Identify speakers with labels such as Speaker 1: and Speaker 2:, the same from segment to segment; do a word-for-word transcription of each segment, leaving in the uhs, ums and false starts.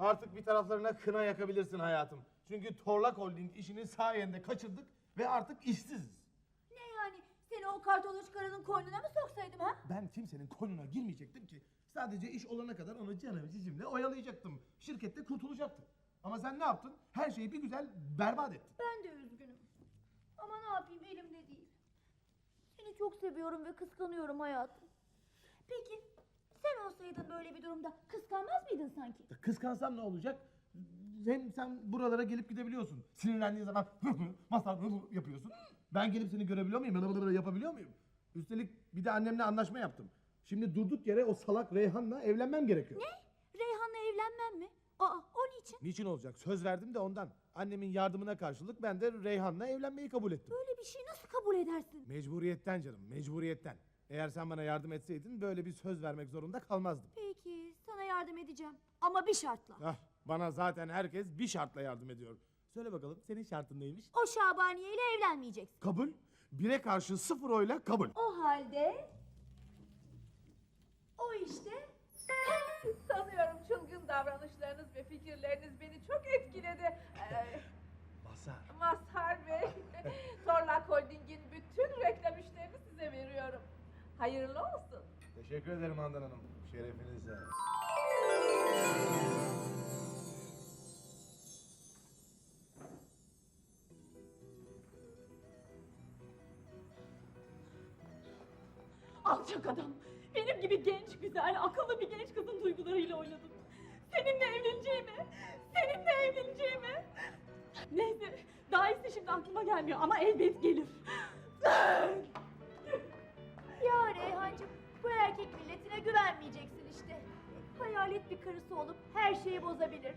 Speaker 1: Artık bir taraflarına kına yakabilirsin hayatım. Çünkü Torlak Holding işini sayende kaçırdık ve artık işsiziz.
Speaker 2: Ne yani? Seni o kartoloş karının koynuna mı soksaydım ha?
Speaker 1: Ben kimsenin koynuna girmeyecektim ki. Sadece iş olana kadar onu canım cicimle oyalayacaktım. Şirkette kurtulacaktı. Ama sen ne yaptın? Her şeyi bir güzel berbat ettin.
Speaker 2: Ben de üzgünüm. Ama ne yapayım, elimde değil. Seni çok seviyorum ve kıskanıyorum hayatım. Peki sen olsaydın böyle bir durumda kıskanmaz mıydın sanki?
Speaker 1: Kıskansam ne olacak? Hem sen buralara gelip gidebiliyorsun. Sinirlendiğin zaman masal yapıyorsun. Ben gelip seni görebiliyor muyum? Yapabiliyor muyum? Üstelik bir de annemle anlaşma yaptım. Şimdi durduk yere o salak Reyhan'la evlenmem gerekiyor.
Speaker 2: Ne? Reyhan'la evlenmem mi? Aa, o niçin?
Speaker 1: Niçin olacak? Söz verdim de ondan. Annemin yardımına karşılık ben de Reyhan'la evlenmeyi kabul ettim.
Speaker 2: Böyle bir şeyi nasıl kabul edersin?
Speaker 1: Mecburiyetten canım, mecburiyetten. Eğer sen bana yardım etseydin böyle bir söz vermek zorunda kalmazdım.
Speaker 2: Peki, sana yardım edeceğim. Ama bir şartla.
Speaker 1: Ah, bana zaten herkes bir şartla yardım ediyor. Söyle bakalım, senin şartın neymiş?
Speaker 2: O Şabaniye ile evlenmeyeceksin.
Speaker 1: Kabul. Bire karşı sıfır oyla kabul.
Speaker 2: O halde... O işte...
Speaker 3: Sanıyorum çılgın davranışlarınız ve fikirleriniz beni çok etkiledi. Ee,
Speaker 1: Masar.
Speaker 3: Mazhar Bey, Torlak Holding'in bütün reklam işlerini size veriyorum. Hayırlı olsun.
Speaker 1: Teşekkür ederim Handan Hanım. Şerefinize.
Speaker 4: Alçak adam. Benim gibi genç, güzel, akıllı bir genç kızın duygularıyla oynadın. Seninle evleneceğime, seninle evleneceğime. Neyse, daha iyisi şimdi aklıma gelmiyor ama elbet gelir.
Speaker 2: Ya Reyhancığım, bu erkek milletine güvenmeyeceksin işte. Hayalet bir karısı olup her şeyi bozabilir.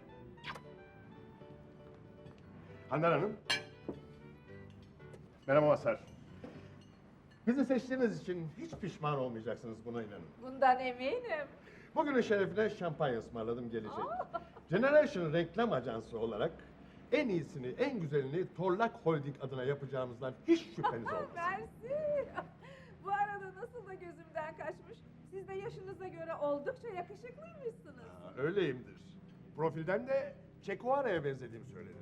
Speaker 5: Handan Hanım. Merhaba Mazhar. Bizi seçtiğiniz için hiç pişman olmayacaksınız, buna inanın.
Speaker 3: Bundan eminim.
Speaker 5: Bugünün şerefine şampanya ısmarladım, gelecek. Generation reklam ajansı olarak en iyisini, en güzelini Torlak Holding adına yapacağımızdan hiç şüpheniz olmasın.
Speaker 3: Mersi. Bu arada nasıl da gözümden kaçmış. Siz de yaşınıza göre oldukça yakışıklıymışsınız.
Speaker 5: Ha, öyleyimdir. Profilden de Che Guevara'ya benzediğim söylenir.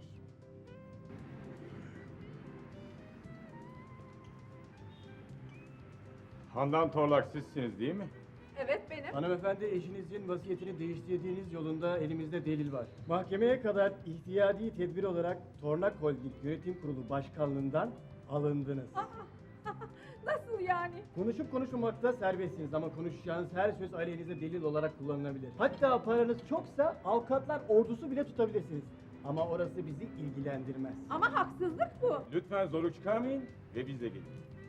Speaker 6: Handan Torlak sizsiniz değil mi?
Speaker 3: Evet benim.
Speaker 7: Hanımefendi, eşinizin vasiyetini değiştirdiğiniz yolunda elimizde delil var. Mahkemeye kadar ihtiyadi tedbir olarak Torlak Holding Yönetim Kurulu Başkanlığından alındınız.
Speaker 3: Nasıl yani?
Speaker 7: Konuşup konuşmamakta serbestsiniz ama konuşacağınız her söz aleyhinize delil olarak kullanılabilir. Hatta paranız çoksa avukatlar ordusu bile tutabilirsiniz. Ama orası bizi ilgilendirmez.
Speaker 3: Ama haksızlık bu.
Speaker 6: Lütfen zorluk çıkarmayın ve bize gelin.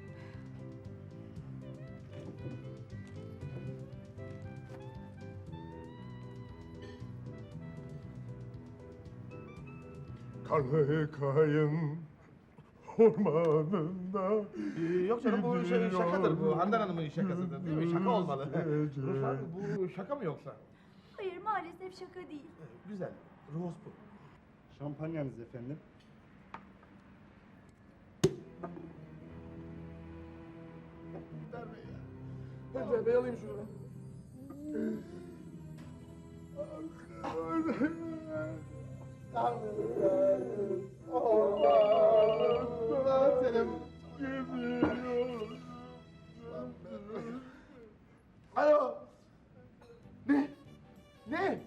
Speaker 5: Kanı kayın ormanında.
Speaker 1: Ee, yok canım bu şey, şakadır bu. Handan Hanım'ın şakasıdır değil mi? Şaka olmalı. Rıfat, bu şaka mı yoksa?
Speaker 2: Hayır, maalesef şaka değil.
Speaker 1: Güzel. Ruhos bu.
Speaker 6: Şampanyanız efendim.
Speaker 1: Önder Bey ya. Önder Bey alayım şunu. Alo. Ne? Ne?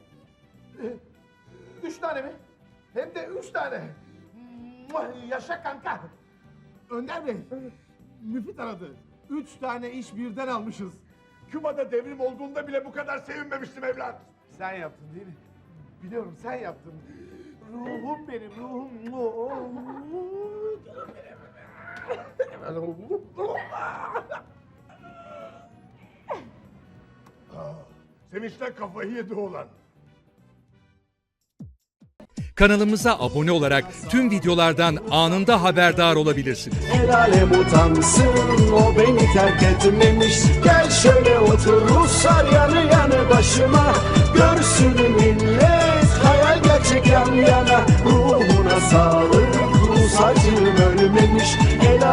Speaker 1: Üç tane mi? Hem de üç tane. Muah, yaşa kanka. Önder Bey, Müfit aradı. Üç tane iş birden almışız.
Speaker 5: Küba'da devrim olduğunda bile bu kadar sevinmemiştim evlat.
Speaker 1: Sen yaptın değil mi? Biliyorum sen yaptın. Ruhum benim, ruhum. Canım benim.
Speaker 5: Sevinçten kafayı yedi oğlan.
Speaker 8: Kanalımıza abone olarak tüm videolardan anında haberdar olabilirsiniz.
Speaker 9: El alem utansın, o beni terk etmemiş. Gel şöyle otur Ruslar yanı yanı başıma. Görsün millet, hayal gerçek yan yana. Ruhuna sağlık, Rus acım ölmemiş. El